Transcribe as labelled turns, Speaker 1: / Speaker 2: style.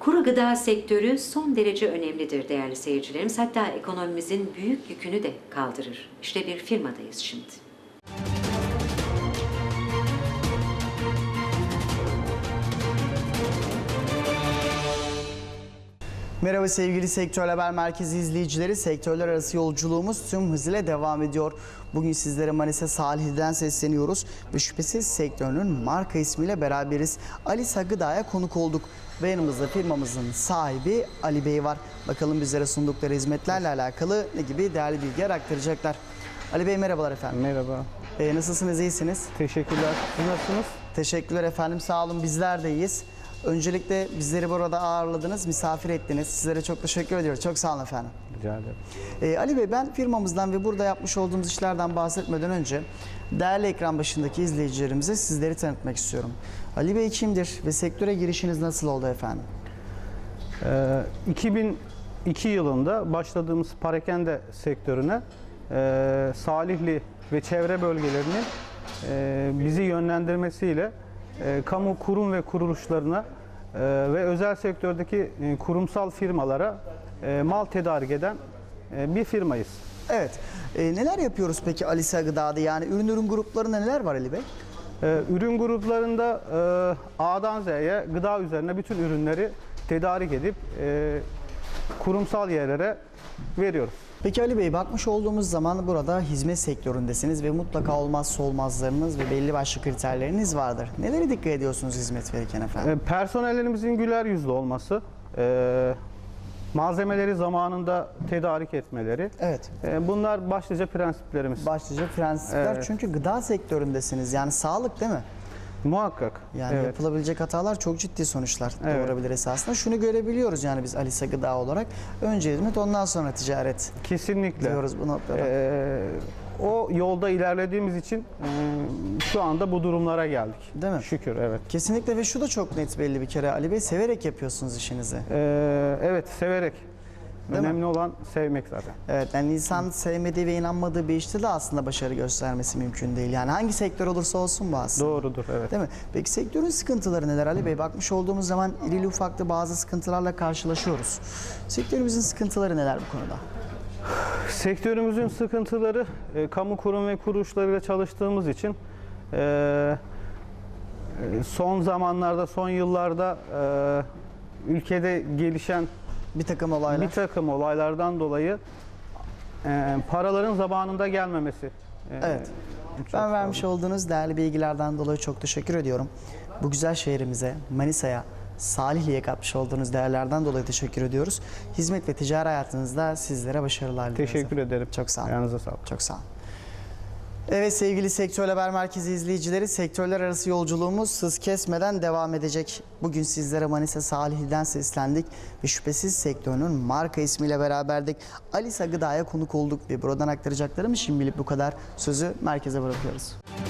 Speaker 1: Kuru gıda sektörü son derece önemlidir değerli seyircilerimiz. Hatta ekonomimizin büyük yükünü de kaldırır. İşte bir firmadayız şimdi.
Speaker 2: Merhaba sevgili Sektör Haber Merkezi izleyicileri. Sektörler arası yolculuğumuz tüm hızıyla devam ediyor. Bugün sizlere Manisa Salihli'den sesleniyoruz ve şüphesiz sektörünün marka ismiyle beraberiz. Alisa Gıda'ya konuk olduk ve yanımızda firmamızın sahibi Ali Bey var. Bakalım bizlere sundukları hizmetlerle alakalı ne gibi değerli bilgiler aktaracaklar. Ali Bey merhabalar efendim.
Speaker 3: Merhaba.
Speaker 2: Nasılsınız, iyisiniz?
Speaker 3: Teşekkürler. Siz nasılsınız?
Speaker 2: Teşekkürler efendim, sağ olun, bizler de iyiyiz. Öncelikle bizleri burada ağırladınız, misafir ettiniz. Sizlere çok teşekkür ediyoruz. Çok sağ olun efendim.
Speaker 3: Rica ederim.
Speaker 2: Ali Bey, ben firmamızdan ve burada yapmış olduğumuz işlerden bahsetmeden önce değerli ekran başındaki izleyicilerimize sizleri tanıtmak istiyorum. Ali Bey kimdir ve sektöre girişiniz nasıl oldu efendim?
Speaker 3: 2002 yılında başladığımız parakende sektörüne Salihli ve çevre bölgelerinin bizi yönlendirmesiyle kamu kurum ve kuruluşlarına ve özel sektördeki kurumsal firmalara mal tedarik eden bir firmayız.
Speaker 2: Evet. Neler yapıyoruz peki Alisa Gıda'da? Yani ürün gruplarında neler var Ali Bey?
Speaker 3: Ürün gruplarında A'dan Z'ye gıda üzerine bütün ürünleri tedarik edip kurumsal yerlere veriyoruz.
Speaker 2: Peki Ali Bey, bakmış olduğumuz zaman burada hizmet sektöründesiniz ve mutlaka olmazsa olmazlarınız ve belli başlı kriterleriniz vardır. Nelere dikkat ediyorsunuz hizmet verirken efendim?
Speaker 3: Personellerimizin güler yüzlü olması, malzemeleri zamanında tedarik etmeleri.
Speaker 2: Evet.
Speaker 3: Bunlar başlıca prensiplerimiz.
Speaker 2: Başlıca prensipler,
Speaker 3: Evet.
Speaker 2: çünkü gıda sektöründesiniz. Yani sağlık değil mi?
Speaker 3: Muhakkak.
Speaker 2: Yani
Speaker 3: Evet.
Speaker 2: yapılabilecek hatalar çok ciddi sonuçlar
Speaker 3: Evet.
Speaker 2: doğurabilir esasında. Şunu görebiliyoruz yani biz Alisa Gıda olarak. Önce hizmet, ondan sonra ticaret
Speaker 3: Kesinlikle.
Speaker 2: diyoruz bu noktada.
Speaker 3: O yolda ilerlediğimiz için şu anda bu durumlara geldik.
Speaker 2: Değil mi?
Speaker 3: Şükür, evet.
Speaker 2: Kesinlikle, ve şu da çok net belli bir kere Ali Bey, severek yapıyorsunuz işinizi.
Speaker 3: Evet, severek.
Speaker 2: Değil mi?
Speaker 3: Önemli olan sevmek zaten.
Speaker 2: Evet, yani insan sevmediği ve inanmadığı bir işte de aslında başarı göstermesi mümkün değil. Yani hangi sektör olursa olsun bu aslında.
Speaker 3: Doğrudur, evet.
Speaker 2: Değil mi? Peki sektörün sıkıntıları neler Ali Bey? Bakmış olduğumuz zaman irili ufaklı bazı sıkıntılarla karşılaşıyoruz. Sektörümüzün sıkıntıları neler bu konuda?
Speaker 3: Sektörümüzün sıkıntıları, kamu kurum ve kuruluşlarıyla çalıştığımız için son zamanlarda, son yıllarda ülkede gelişen
Speaker 2: Bir takım olaylar.
Speaker 3: bir takım olaylardan dolayı paraların zamanında gelmemesi.
Speaker 2: Evet.
Speaker 3: Çok
Speaker 2: Ben
Speaker 3: sağ
Speaker 2: vermiş
Speaker 3: olun.
Speaker 2: olduğunuz değerli bilgilerden dolayı çok teşekkür ediyorum. Bu güzel şehrimize, Manisa'ya, Salihli'ye katmış olduğunuz değerlerden dolayı teşekkür ediyoruz. Hizmet ve ticari hayatınızda sizlere başarılar diliyoruz.
Speaker 3: Teşekkür ederim.
Speaker 2: Çok sağ olun.
Speaker 3: Ayağınıza sağlık.
Speaker 2: Çok sağ olun. Evet sevgili Sektör Haber Merkezi izleyicileri, sektörler arası yolculuğumuz hız kesmeden devam edecek. Bugün sizlere Manisa Salihli'den seslendik ve şüphesiz sektörünün marka ismiyle beraberdik. Alisa Gıda'ya konuk olduk ve buradan aktaracaklarım şimdilik bu kadar. Sözü merkeze bırakıyoruz.